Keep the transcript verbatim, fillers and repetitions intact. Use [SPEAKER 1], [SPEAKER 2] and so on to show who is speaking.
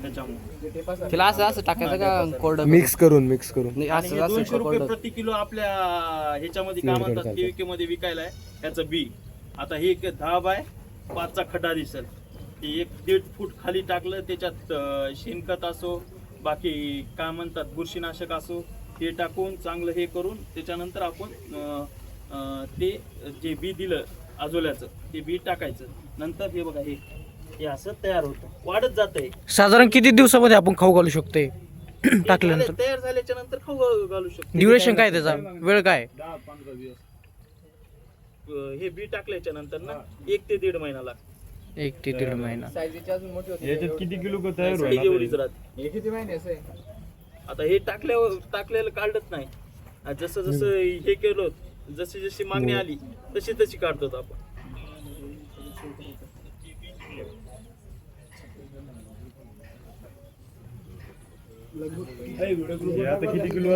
[SPEAKER 1] त्याच्यामुळे
[SPEAKER 2] तिला असं असं टाकायचं का कोरडं
[SPEAKER 3] मिक्स करून मिक्स करून
[SPEAKER 2] नाही
[SPEAKER 1] आणि
[SPEAKER 2] असं
[SPEAKER 1] हे
[SPEAKER 2] असं
[SPEAKER 1] दोनशे रुपये
[SPEAKER 2] कोरडं
[SPEAKER 1] प्रति किलो आपल्या ह्याच्यामध्ये काय
[SPEAKER 3] Clear
[SPEAKER 1] म्हणतात
[SPEAKER 3] करतात.
[SPEAKER 1] केवीके मध्ये विकायला आहे ह्याचं बी. आता हे एक दहा बाय पाचचा खड्डा दिसेल, ते एक दीड फूट खाली टाकलं त्याच्यात अं, शेणखत असो बाकी काय म्हणतात बुरशीनाशक असो हे टाकून चांगलं हे करून त्याच्यानंतर आपण अं, अं, ते जे बी दिलं आजोल्याचं ते बी टाकायचं. नंतर हे बघा हे हे असं तयार होतं, वाढत जातंय.
[SPEAKER 4] साधारण किती दिवसामध्ये आपण खाऊ घालू शकतोय
[SPEAKER 1] हे
[SPEAKER 4] टाकल्यानंतर?
[SPEAKER 1] झाले- तयार झाल्याच्या नंतर खाऊ घालू शकतो.
[SPEAKER 4] ड्युरेशन काय त्याचा, वेळ काय?
[SPEAKER 1] अं, हे बी टाकल्याच्या नंतर ना एक ते दीड महिना लागतो.
[SPEAKER 4] एक ते दीड महिना.
[SPEAKER 5] याच्यात किती किलो का तयार
[SPEAKER 1] साईज
[SPEAKER 5] होईल
[SPEAKER 1] एवढीच राहते.
[SPEAKER 2] हे किती महिन्याचं आहे?
[SPEAKER 1] आता हे टाकल्यावर टाकलेलं काढत नाही. आणि जसं जसं हे केलं जशी जशी मागणी आली तशी तशी काढतो आपण.
[SPEAKER 5] आता किती किलो